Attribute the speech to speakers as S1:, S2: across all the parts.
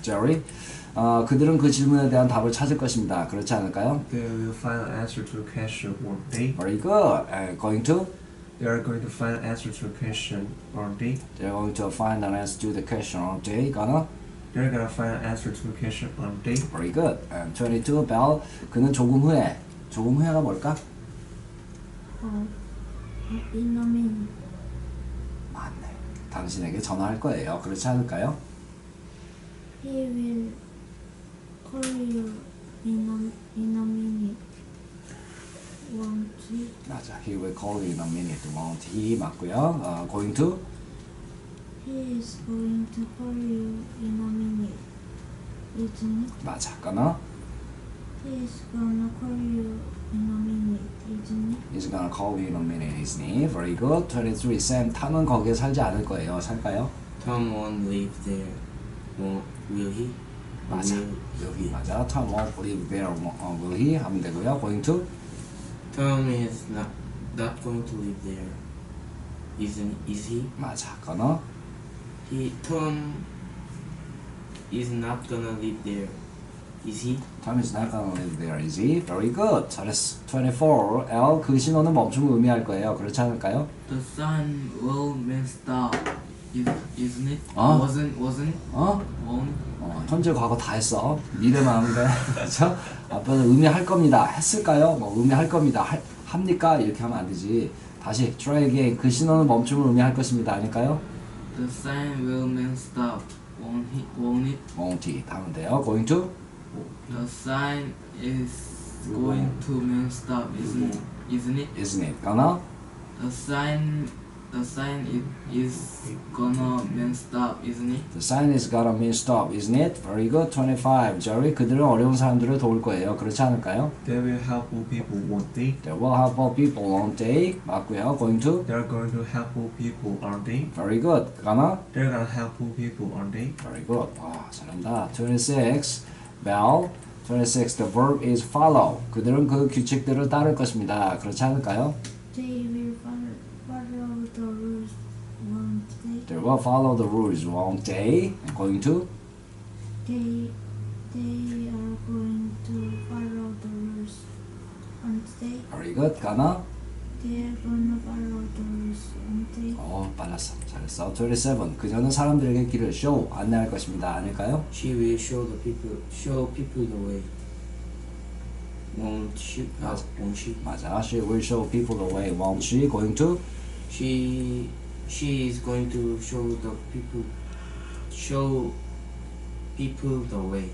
S1: Jerry. 그들은 그 질문에 대한 답을 찾을 것입니다. 그렇지 않을까요?
S2: They will find an answer to the question, won't they?
S1: Very good. Going to?
S2: They are going to find an answer to the question, aren't they?
S1: They're going to find an answer to the question, aren't they? Gonna?
S2: They're gonna find an answer to the question, aren't they?
S1: Very good. 22. Bell. 그는 조금 후에. 조금 후에가 뭘까?
S3: 이놈이
S1: 맞네. 당신에게 전화할 거예요. 그렇지 않을까요?
S3: He will call you in a minute. Won't he?
S1: 맞아. He will call you in a minute. Won't he? 맞고요. Going to?
S3: He is going to call you in a minute. Isn't it?
S1: 맞아. gonna?
S3: He is gonna call you in a minute. Isn't it?
S1: He's gonna call you in a minute, isn't he? Very good. 23. Sam. 탐은 거기에 살지 않을 거예요. 살까요?
S4: Tom won't live there. Will he?
S1: 맞아.
S4: Will he?
S1: 맞아. Tom won't live there. Will he? 하면 되고요. Going to?
S4: Tom is not going to live there. Is he?
S1: 맞아. gonna?
S4: Tom is not gonna live there. Is he?
S1: Tom is not gonna live there, is he? Very good. 잘했어. 24. L. 그 신호는 멈춤을 의미할 거예요. 그렇지 않을까요?
S5: The sign will mean stop. Isn't it?
S1: 어?
S5: Wasn't it? Won't.
S1: 현재 과거 다 했어. 미래만 하면 돼. 그렇죠? 앞에서 의미할 겁니다. 했을까요? 뭐 의미할 겁니다. 합니까? 이렇게 하면 안 되지. 다시 try again. 그 신호는 멈춤을 의미할 것입니다. 아닐까요?
S5: The sign will mean stop. Won't it?
S1: won't he. 하면 돼요. Going to?
S5: The sign is going to mean stop. Isn't it?
S1: Isn't it? gonna?
S5: The sign is gonna mean stop. Isn't it?
S1: The sign is gonna mean stop, isn't it? Very good. 25. Jerry. 그들은 어려운 사람들을 도울 거예요. 그렇지 않을까요?
S2: They will help all people, won't they?
S1: They will help all people, won't they? 맞고요. Going to?
S2: They are going to help all people, aren't they?
S1: Very good. gonna?
S2: They're gonna help all people, aren't they?
S1: Very good. 와, 잘한다. 26. Bell. 26. The verb is follow. 그들은 그 규칙들을 따를 것입니다. 그렇지 않을까요?
S3: They will follow the rules, won't they?
S1: They will follow the rules, won't they? Going to?
S3: They are going to follow the rules, aren't they?
S1: Very good. gonna?
S3: They are gonna follow the rules, aren't they?
S1: 빨랐어. 잘했어. 27. 그녀는 사람들에게 길을 show, 안내할 것입니다. 아닐까요?
S4: She will show people the way. Won't she? Won't she?
S1: 맞아. She will show people the way, won't she? Going to?
S4: She is going to show people the way.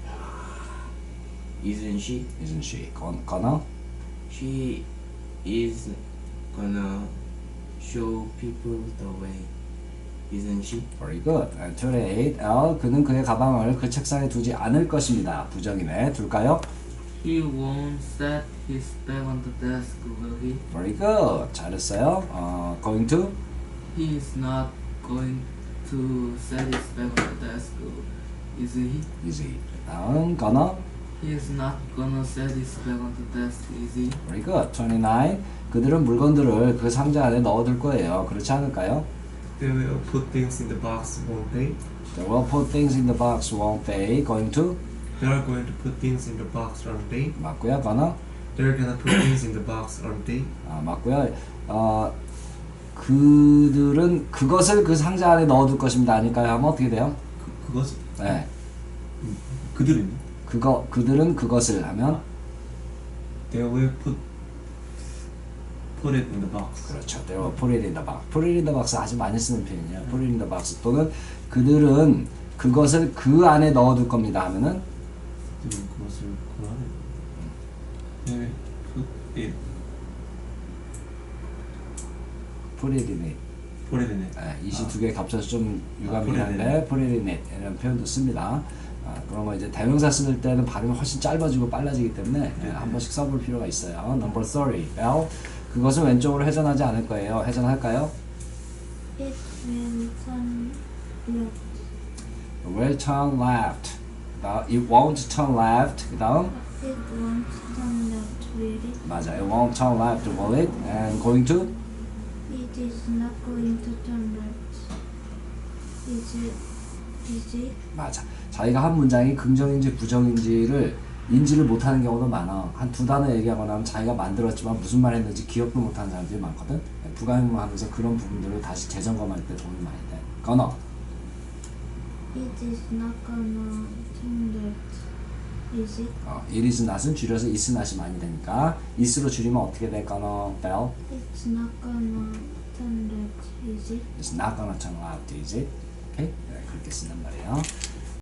S4: Isn't she?
S1: Isn't she? gonna?
S4: She is gonna show people the way. Isn't she?
S1: Very good. And 28. L. 그는 그의 가방을 그 책상에 두지 않을 것입니다. 부정이네. 둘까요?
S5: He won't set his bag on the desk, will he?
S1: Very good. 잘했어요. Going to?
S5: He is not going to set his bag on the desk, is he?
S1: Easy. 다음 gonna?
S5: He is not gonna set his bag on the desk, is he?
S1: Very good. 29. 그들은 물건들을 그 상자 안에 넣어둘 거예요. 그렇지 않을까요?
S2: They will put things in the box, won't they?
S1: They will put things in the box, won't they? Going to?
S2: They are going to put things in the box, aren't they?
S1: 맞고요. gonna?
S2: They're gonna put things in the box, aren't they?
S1: 맞고요. 그들은 그것을 그 상자 안에 넣어둘 것입니다. 아닐까요? 하면 어떻게 돼요?
S2: 그것이
S1: 네.
S2: 그들은
S1: 그들은 그것을 하면
S2: They will put it in the box.
S1: 그렇죠. They will put it in the box. Put it in the box 아주 많이 쓰는 표현이에요. Put it in the box 또는 그들은 그것을 그 안에 넣어둘 겁니다. 하면은
S2: 그들은 그것을 그 안에 They will put it
S1: put it in it.
S2: put it in it.
S1: 이시 두 개 겹쳐서 좀 유감이긴 한데 put it in it 이라는 표현도 씁니다. 그러면 이제 대명사 쓸 때는 발음이 훨씬 짧아지고 빨라지기 때문에 한 번씩 써볼 필요가 있어요. Number 30. L. 그것은 왼쪽으로 회전하지 않을 거예요. 회전할까요?
S3: It will turn left.
S1: Will turn left. It won't turn left. 그 다음
S3: It won't turn left, will it?
S1: 맞아. It won't turn left, will it? And going to?
S3: It is not going to turn left. Is it? Is it?
S1: 맞아. 자기가 한 문장이 긍정인지 부정인지를 인지를 못하는 경우도 많아. 한 두 단어 얘기하거나 하면 자기가 만들었지만 무슨 말 했는지 기억도 못하는 사람들이 많거든. 부가형하면서 그런 부분들을 다시 재점검할 때 도움이 많이 돼. 건어.
S3: It is not gonna turn that. Is it?
S1: It is not은 줄여서 is not이 많이 되니까 is로 줄이면 어떻게 될까나? Bell.
S3: It's not gonna turn that. Is it?
S1: It's not gonna turn out, is it? 오케이? 그렇게 쓴단 말이에요.